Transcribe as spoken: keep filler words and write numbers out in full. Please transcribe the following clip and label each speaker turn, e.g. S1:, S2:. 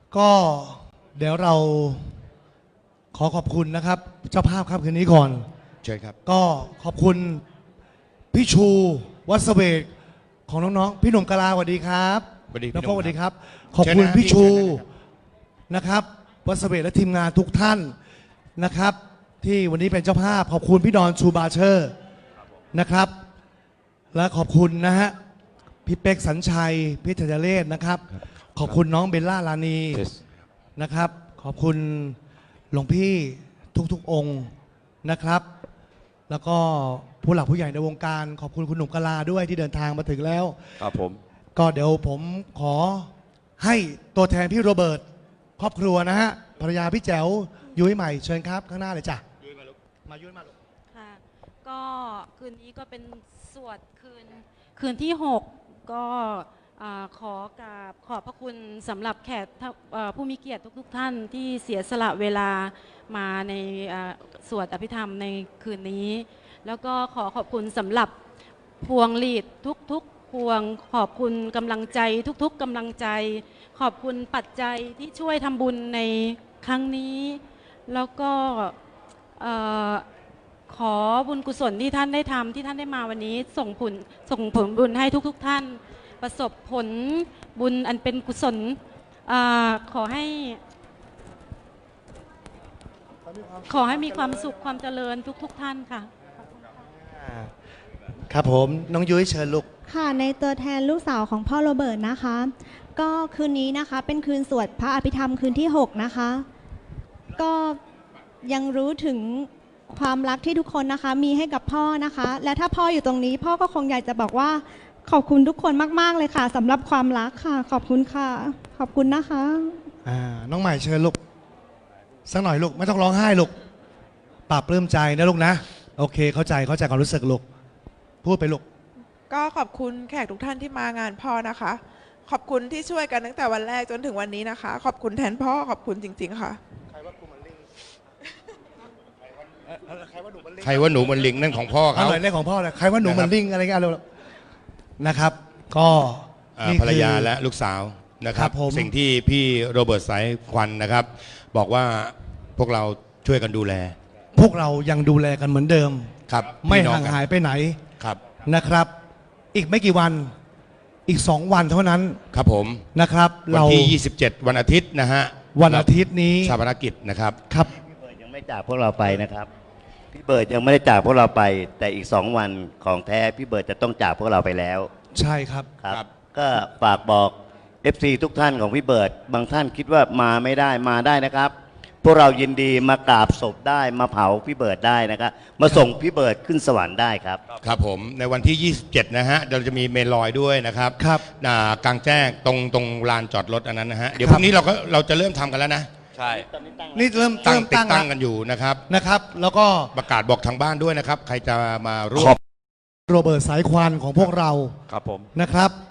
S1: ก็เดี๋ยวเราขอขอบคุณนะครับ เจ้าภาพครับคืนนี้ก่อน
S2: เชิญครับ
S1: ก็ขอบคุณพี่ชูวัสเวกของน้องๆพี่หนุ่มกะลาสวัสดีครับ
S2: สวัสดีพี่
S1: น้อง
S2: หนุ่
S1: โฟ
S2: ม
S1: สวัสดีครับ
S2: ครับ
S1: ขอบคุณ
S2: เชิญนะ
S1: พี่ชู
S2: พี่เชิญนะ
S1: นะครับวัสเวกและทีมงานทุกท่านนะครับ ที่วันนี้เป็นเจ้าภาพขอบคุณพี่ดอนชูบาเชอร์นะครับ และขอบคุณนะฮะพี่เป๊กสัญชัยพี่ธัญเรศนะครับ ขอบคุณน้องเบลล่าลานีนะครับ ขอบคุณหลวงพี่ทุกๆองค์นะครับ แล้วก็ผู้หลักผู้ใหญ่ในวงการ ขอบคุณคุณหนุ่มกะลาด้วยที่เดินทางมาถึงแล้ว
S3: ครับผม
S1: ก็เดี๋ยวผมขอให้ตัวแทนพี่โรเบิร์ตครอบครัวนะฮะภรรยาพี่แจ๋วยุ้ยใหม่เชิญครับข้างหน้าเลยจ้ะยุ้ยมาลูกมายุ้ยมาลูก
S4: ค่ะก็คืนนี้ก็เป็นสวดคืนคืนที่ หก ก็อ่าขอกราบขอบพระคุณสำหรับแขกท่าเอ่อผู้มีเกียรติทุกๆทท่านที่เสียสละเวลามาในอ่าสวดอภิธรรมในคืนนี้ แล้วก็ขอขอบคุณสำหรับพวงหลีดทุกๆพวงขอบคุณกำลังใจทุกๆกำลังใจ ขอบคุณปัจจัยที่ช่วยทำบุญในครั้งนี้ แล้วก็เอ่อ ขอบุญกุศลที่ท่านได้ทำที่ท่านได้มาวันนี้ส่งผลส่งผลบุญให้ทุกๆทท่าน ประสบผลบุญอันเป็นกุศลอาขอให้ขอให้มีความสุขความเจริญทุกๆทท่านค่ะ
S1: ครับผมน้องยุ้ยเชิญลูก
S5: ค่ะในตัวแทนลูกสาวของพ่อโรเบิร์ตนะคะ ก็คืนนี้นะคะเป็นคืนสวดพระอภิธรรมคืนที่ หก นะคะ ก็ยังรู้ถึงความรักที่ทุกคนนะคะมีให้กับพ่อนะคะ และถ้าพ่ออยู่ตรงนี้ พ่อก็คงอยากจะบอกว่าขอบคุณทุกคนมากๆเลยค่ะสำหรับความรักค่ะ ขอบคุณค่ะ ขอบคุณนะคะ
S1: อ่าน้องใหม่เชิญลูกสักหน่อยลูกไม่ต้องร้องไห้ลูกปรับปลื้มใจนะลูกนะโอเคเข้าใจเข้าใจความรู้สึกลูกพูดไปลูก
S6: ก็ขอบคุณแขกทุกท่านที่มางานพ่อนะคะ ขอบคุณที่ช่วยกันตั้งแต่วันแรกจนถึงวันนี้นะคะ ขอบคุณแทนพ่อขอบคุณจริงๆค่ะ
S1: ใครว่ากูมันลิงใครว่าหนูมันลิง
S2: ใครว่าหนูมันลิงนั่นของพ่อ
S1: เอา
S2: เขา
S1: หน่อยเรื่องของพ่อเลยใครว่าหนู
S2: นะครับ
S1: มันลิงอะไรกันเร็วๆนะครับ ก็
S2: อ่า
S1: นี่
S2: ภรรยา
S1: คือ
S2: และลูกสาวนะค
S1: ค
S2: รั
S1: รั
S2: บบ
S1: ผม
S2: สิ่งที่พี่โรเบิร์ตสายควันนะครับ บอกว่าพวกเราช่วยกันดูแล
S1: พวกเรายังดูแลกันเหมือนเดิม
S2: ครับ
S1: ไม่
S2: พี่น้อ
S1: ห่าง
S2: กัน
S1: หายไปไหน
S2: ครับ
S1: นะครับ อีกไม่กี่วันอีกสองวันเท่านั้น
S2: ครับผม
S1: นะครับ
S2: วัน
S1: เรา
S2: ที่ยี่สิบเจ็ดวันอาทิตย์นะฮะ
S1: วันอาทิตย์นี้
S2: ชาปนกิจนะครับ
S1: ครับ
S3: พี่เบิร์ดยังไม่จากพวกเราไปนะครับ พี่เบิร์ดยังไม่ได้จากพวกเราไป แต่อีกสองวันของแท้พี่เบิร์ดจะต้องจากพวกเราไปแล้ว
S1: ใช่ครับ
S3: ครับ
S2: ครับ
S3: ก็ฝากบอก เอฟ ซี ทุกท่านของพี่เบิร์ดบางท่านคิดว่ามาไม่ได้มาได้นะครับ พวกเรายินดีมากราบศพได้มาเผาพี่เบิร์ดได้นะครับมาส่งพี่เบิร์ดขึ้นสวรรค์ได้ครับ
S2: ครับผมในวันที่ยี่สิบเจ็ดนะฮะเราจะมีเมนลอยด้วยนะครับ
S1: ครับ
S2: อ่ากลางแจ้งตรงตรงลานจอดรถอันนั้นนะฮะเดี๋ยว
S1: ค
S2: พ
S1: รับ
S2: รุ่งนี้เราก็เราจะเริ่มทำกันแล้วนะ
S3: ใช่
S1: นี่เริ่ม
S2: ตั้ง
S1: เริ่ม
S2: ติด
S1: ตั้ง
S2: ตั้ง
S1: แล้ว
S2: กันอยู่นะครับ
S1: นะครับ แล้วก็
S2: ประกาศบอกทางบ้านด้วยนะครับ ใครจะมาร่ว
S3: ขอ
S2: ม
S3: บ
S1: โรเบิร์ตสายควันของพวกเรา
S3: ครับผม
S1: นะครับ